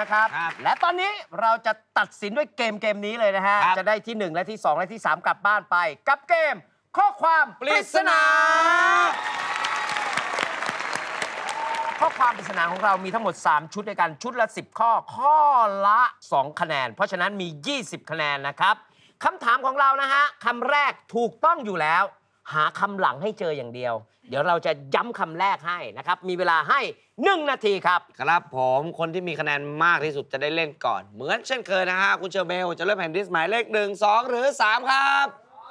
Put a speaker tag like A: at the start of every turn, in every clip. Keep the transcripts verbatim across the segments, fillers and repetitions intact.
A: นะครับและตอนนี้เราจะตัดสินด้วยเกมเกมนี้เลยนะฮะจะได้ที่หนึ่งและที่สองและที่สามกลับบ้านไปกับเกมข้อความปริศนาข้อความปริศนาของเรามีทั้งหมดสามชุดด้วยกันชุดละสิบข้อข้อละสองคะแนนเพราะฉะนั้นมียี่สิบคะแนนนะครับคำถามของเรานะฮะคำแรกถูกต้องอยู่แล้วหาคำหลังให้เจออย่างเดียวเดี๋ยวเราจะย้ำคำแรกให้นะครับมีเวลาให้หนึ่งนาทีครับ
B: ครับผมคนที่มีคะแนนมากที่สุดจะได้เล่นก่อนเหมือนเช่นเคยนะฮะคุณเชอร์เบลจะเลือกแผ่นดิสหมายเลขหนึ่งสองหรือสามครับ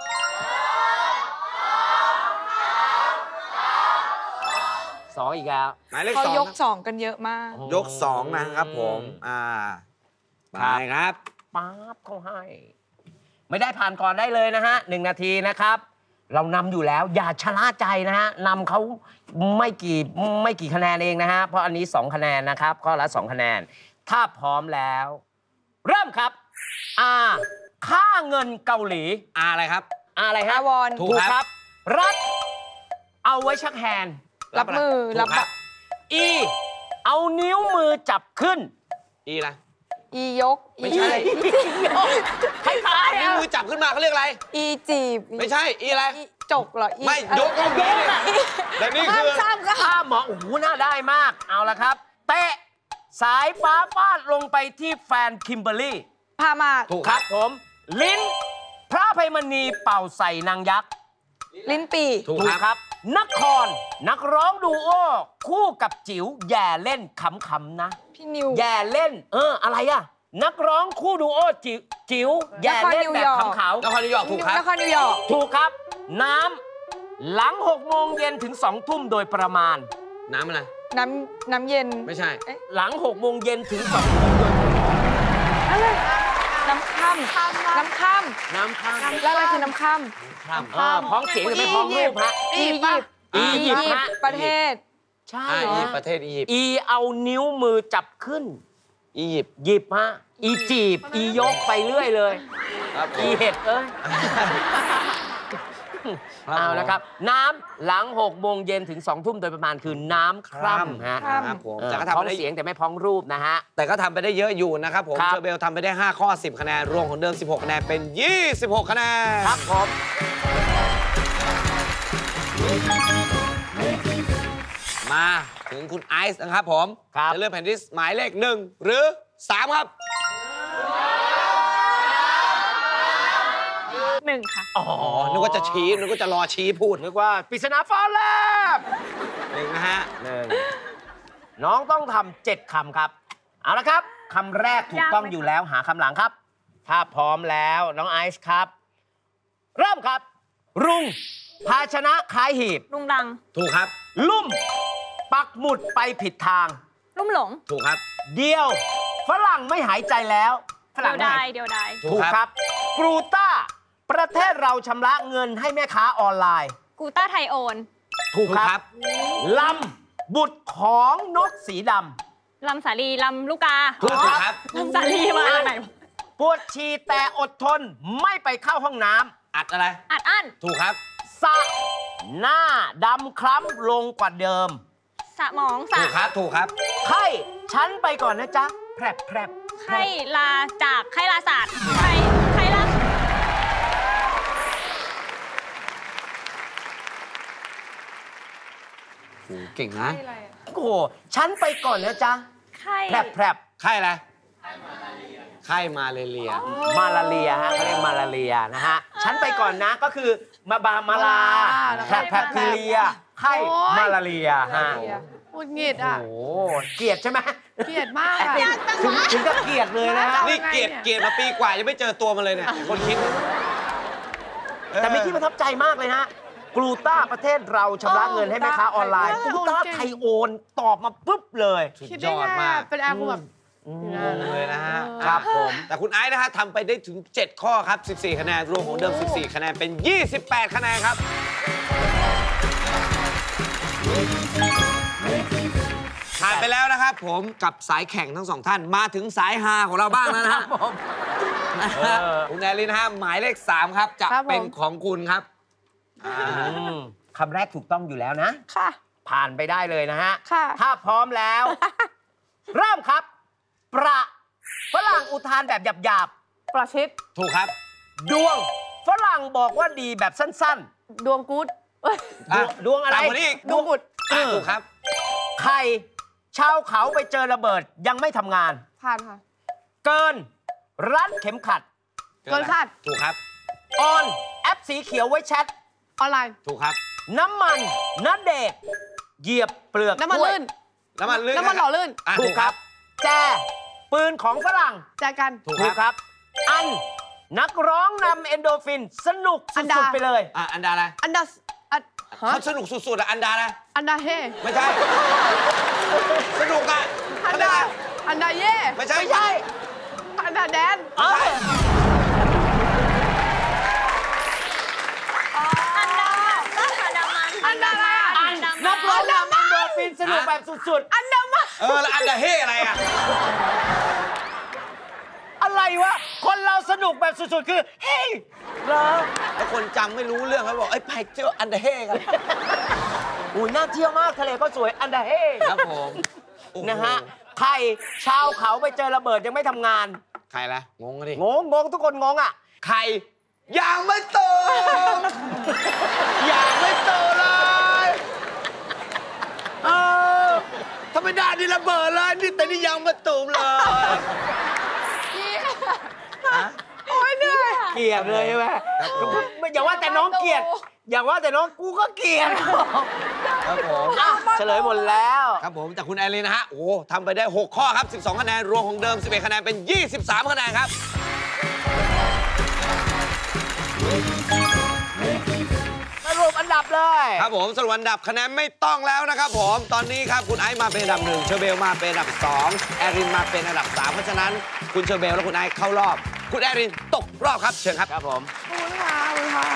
A: สองอีกแล้ว
B: หมายเลขสอง
C: เขายกสองกันเยอะมาก
B: ยกสองนะครับผมอ่าไปครับ
A: ป๊าบเขาให้ไม่ได้ผ่านก่อนได้เลยนะฮะหนึ่งนาทีนะครับเรานำอยู่แล้วอย่าชะล่าใจนะฮะนำเขาไม่กี่ไม่กี่คะแนนเองนะฮะเพราะอันนี้สองคะแนนนะครับข้อละสองคะแนนถ้าพร้อมแล้วเริ่มครับอาค่าเงินเกาหลี
B: อาอะไรครับ
A: อาอะไรฮะ
C: วอน
A: ถูกครับรัฐเอาไว้ชักแฮนด์
C: รับมือรับ
A: อีเอานิ้วมือจับขึ้น
B: อีอะไร
C: อียก
B: ไม่ใช่
A: คล้ายๆ
B: นิ้วมือจับขึ้นมาเขาเรียกอะไร
C: อีจีบ
B: ไม่ใช่อีอะไร
C: จกเหรอ
B: ไม่ยกก็ยกแต่นี่คือ
C: ข้าม
A: ข้ามหมอโอ้โหน่าได้มากเอาละครับเตะสายฟ้าฟาดลงไปที่แฟนคิมเบอร์รี่
C: พามา
A: ถูกครับผมลิ้นพระอภัยมณีเป่าใส่นางยักษ์
C: ลิ้นปี
A: ถูกครับนครนักร้องดูโอคู่กับจิ๋วแย่เล่นขำๆนะ
C: พี่นิว
A: แย่เล่นเอออะไรอะนักร้องคู่ดูโอจิ๋วจิ๋วแย่เล่นแบบขำๆ
B: นครนิวยอร์กถูกครับ
C: นครนิวยอร์ก
A: ถูกครับน้ำหลังหกโมงเย็นถึงสองทุ่มโดยประมาณ
B: น้ำอะไร
C: น้ำน้ำเย็น
B: ไม่ใช่
A: หลังหกโมงเย็นถึงสองทุ่มโดย
C: อะไรน้ำค่ำน้ำค่
A: ำน้ำค่
C: ำแล้วอะไรคือน้ำค่
A: ำค่ำพ้องเสียงหรือไม่พ้องรูปฮะ
C: อียิปต์อียิปต์ประเทศ
A: ใช่
B: อียิปต์ประเทศอียิปต์
A: อีเอานิ้วมือจับขึ้น
B: อียิปต์
A: หยิบฮะอีจีบอียกไปเรื่อยเลยอีเห็ดเอ้ยเอาละครับน้ำหลังหกโมงเย็นถึงสองทุ่มโดยประมาณคือน้ำคร่ำฮะ
B: ครับผม
A: แต่ก็ทำพ้องเสียงแต่ไม่พ้องรูปนะฮะ
B: แต่ก็ทำไปได้เยอะอยู่นะครับผมเชอร์เบลทำไปได้ห้าข้อสิบคะแนนรวมของเดิมสิบหกคะแนนเป็นยี่สิบหกคะแนน
A: ครับผม
B: มาถึงคุณไอซ์นะครับผมจะเลือกแผ่นดิสหมายเลขหนึ่งหรือสามครับ
C: หนึ่งค่ะ
B: อ๋อนึกว่าจะชี้นึกว่าจะรอชี้พูด
A: นึกว่าปริศนาฟ้าแลบ
B: หนึ่งนะฮะ
A: หนึ่งน้องต้องทำเจ็ดคำครับเอาละครับคำแรกถูกต้องอยู่แล้วหาคำหลังครับถ้าพร้อมแล้วน้องไอซ์ครับเริ่มครับรุงภาชนะคล้ายหีบ
C: รุงรัง
B: ถูกครับ
A: ลุ่มปักหมุดไปผิดทาง
C: ลุ่มหลง
B: ถูกครับ
A: เดียวฝรั่งไม่หายใจแล้ว
C: ฝรั่งได้เดียวได้
A: ถูกครับกรูต้าประเทศเราชำระเงินให้แม่ค้าออนไลน์
C: กูต้าไทยโอน
A: ถูกครับลำบุตรของนกสีด
C: ำลำสาลีลำลูกกา
A: ถูกครับ
C: ลำสาลีมาไหน
A: ปวดฉี่แต่อดทนไม่ไปเข้าห้องน้
B: ำอัดอะไร
C: อัดอั้น
B: ถูกครับ
A: สะหน้าดำคล้ำลงกว่าเดิม
C: สะหมองสะ
B: ถูกครับถูกครับ
A: ไข้ฉันไปก่อนนะจ๊ะแพรบแพรบ
C: ไข้ลาจากไข้ลาศาสตร์ไข้ไข้ลา
B: เก่งนะ
A: โอ้โหฉันไปก่อนนะจ๊ะ
C: ไข้
A: แพรบแพรบ
B: ไข้อะไรไข้มาเลเรีย
A: มาลาเรียฮะเขาเรียกมาลาเรียนะฮะฉันไปก่อนนะก็คือมาบามาลาแพรบแพรบทีเรียไข้มาลาเรียฮะ
C: พูดเงียดอ่ะ
A: โอ้เกลียดใช่ไหม
C: เกลียดมากอะ
A: ถึงกับเกลียดเลยนะ
B: นี่เกลียดเกลียดมาปีกว่ายังไม่เจอตัวมันเลยเนี่ยคนคิด
A: แต่มีที่ประทับใจมากเลยฮะกรูต้าประเทศเราชำระเงินให้แม่ค้าออนไลน์กรูต้าไทยโอนตอบมาปุ๊บเลย
B: สุดยอดมาก
C: เป็นแอร์แบบ
B: งงเลยนะฮะ
A: ครับผม
B: แต่คุณไอซ์นะฮะทำไปได้ถึงเจ็ดข้อครับสิบสี่คะแนนรวมของเดิมสิบสี่คะแนนเป็นยี่สิบแปดคะแนนครับผ่านไปแล้วนะครับผมกับสายแข่งทั้งสองท่านมาถึงสายฮาของเราบ้างแล้วนะครับผมคุณแนลินนะฮะหมายเลขสามครับจะเป็นของคุณครับ
A: คำแรกถูกต้องอยู่แล้วนะ
C: ค่ะ
A: ผ่านไปได้เลยนะฮะ
C: ค่ะ
A: ถ้าพร้อมแล้วเริ่มครับประฝรั่งอุทานแบบหยาบ
C: ประชิด
B: ถูกครับ
A: ๆดวงฝรั่งบอกว่าดีแบบสั้น
C: ดวงกู๊ดเอ้ย
A: ๆ ดวงดวงอะไร
B: ตามคนนี้อีก
C: ดวงกุด
B: อ่ะถูกครับ
A: ไข่ชาวเขาไปเจอระเบิดยังไม่ทำงาน
C: ผ่านค่ะ
A: เกิน รัดเข็มขัด
C: เกินคาด
B: ถูกครับ
A: ออนแอปสีเขียวไว้แชท
C: ออนไลน์
B: ถูกครับ
A: น้ำมันน้ำเด็กเหยียบเปลือก
C: น้ำมัน
A: กล้วย
C: ลื่น
B: น้ำมันลื่น
C: น้ำมันหล่อลื่น
B: อ่ะ
A: ถูกครับ แจปืนของฝรั่ง
C: แจกัน
B: ถูก
A: ถูก
B: ค
A: ครับ รับ อัน นักร้องนำเอนโดรฟิน สนุก
C: อั
A: สุ
C: นดา
A: ดๆไปเลย
B: อ่ะอันดาอะไร
C: อันดาอันฮะ
B: เขาสนุกสุดๆอ่ะอันดานะ
C: อันดาเฮ
B: ไม่ใช่ สนุกอ่ะ
C: อันดาอันดาเย่
B: ไม่ใช่
A: ไม่ใช่
C: อันดาแดน
A: เออ
D: อันดาก็อันดามัน
C: อันดาอะไรอ่ะ
A: อัน นักร้องนำเอนโดรฟิน สนุกแบบสุด
C: อันดามา
B: เออแล้วอันดาเฮอะไรอ่ะ
A: ๆ อะไรวะ คนเราสนุกแบบสุดๆ คือ เฮ้ยเหรอ
B: แล้วคนจำไม่รู้เรื่องเขาบอกไอ้ยไปเที่ยวอันดาเฮกัน
A: อุ้ยน่าเที่ยวมาก ทะเลก็สวย อันดาเฮ
B: ครับผมโอ้โห
A: นะฮะใครชาวเขาไปเจอระเบิดยังไม่ทำงาน
B: ใครล่ะงงกันดิ
A: งงงงทุกคนงงอ่ะ
B: ใครยังไม่โตยังไม่โตเลยเออทำไมได้นี่ระเบิดเลยนี่แต่นี่ยังไม่ตูมเลย
C: โอ้ยเหนื่อย
A: เกลียดเลยใช่ไหม
B: ครับผม
A: ไม่อย่าว่าแต่น้องเกลียด อย่าว่าแต่น้องกูก็เกลียด
B: ครับผม
A: อ่ะเฉลยหมดแล้ว
B: ครับผมจากคุณแอลลีนะฮะ โอ้โหทำไปได้ หก ข้อครับ สิบสอง คะแนน รวมของเดิม สิบเอ็ด คะแนน เป็น ยี่สิบสาม คะแนนครับ
A: สรุปอันดับเลย
B: ครับผมสรุปอันดับคะแนนไม่ต้องแล้วนะครับผม ตอนนี้ครับคุณไอซ์มาเป็นอันดับหนึ่งเชอร์เบลมาเป็นอันดับสองแอรินมาเป็นอันดับสามเพราะฉะนั้นคุณเชอร์เบลและคุณไอซ์เข้ารอบ คุณแอรินตกรอบครับเชิญครับ
A: ครับผม
C: ขอบคุณค่ะขอบคุณค่ะ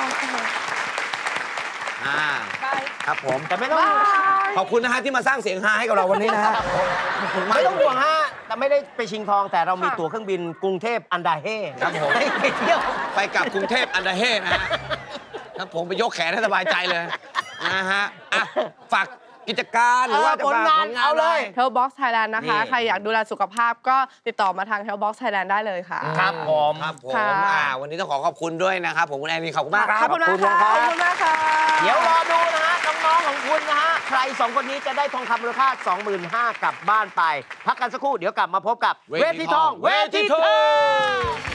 B: อ่า
C: บาย
B: ครับผม
A: แต่ไม่ต้อง
C: บาย
B: ขอบคุณนะฮะที่มาสร้างเสียงฮาให้กับเราวันนี้นะฮะขอบคุณมาก
A: ไม่ต้องห่วงฮะ แต่ไม่ได้ไปชิงทอง แต่เรามี
C: ค่ะ
A: ตั๋วเครื่องบินกรุงเทพอันดาเฮ่
B: ครับผม
A: ให้ไปเที่ยว
B: ไปกลับกรุงเทพอันดาเฮ่นะฮะครับผมไปยกแขนให้สบายใจเลยนะฮะอ่ะฝากกิจการหรือว่าจะ
A: ผล
B: ฝาก
A: งานเอาเลย
C: เฮลบ็อกซ์ไทยแลนด์นะคะ
B: นี่
C: ใครอยากดูแลสุขภาพก็ติดต่อมาทาง Health Box Thailand ได้เลยค่ะ
A: ครับผม
B: ครับผม
C: ค่ะ
B: อ่าวันนี้ต้องขอขอบคุณด้วยนะครับผมคุณแอนนี่ขอบคุณมากครับ
C: ขอบคุณมากค่ะ ขอบคุณมากค่ะ
A: เดี๋ยวรอดูนะฮะ น้องๆของคุณนะฮะ ใครสองคนนี้จะได้ทองคำมูลค่า สองหมื่นห้าพัน กลับบ้านไป พักกันสักครู่ เดี๋ยวกลับมาพบกับ
B: เวทีทอง
A: เวทีทอง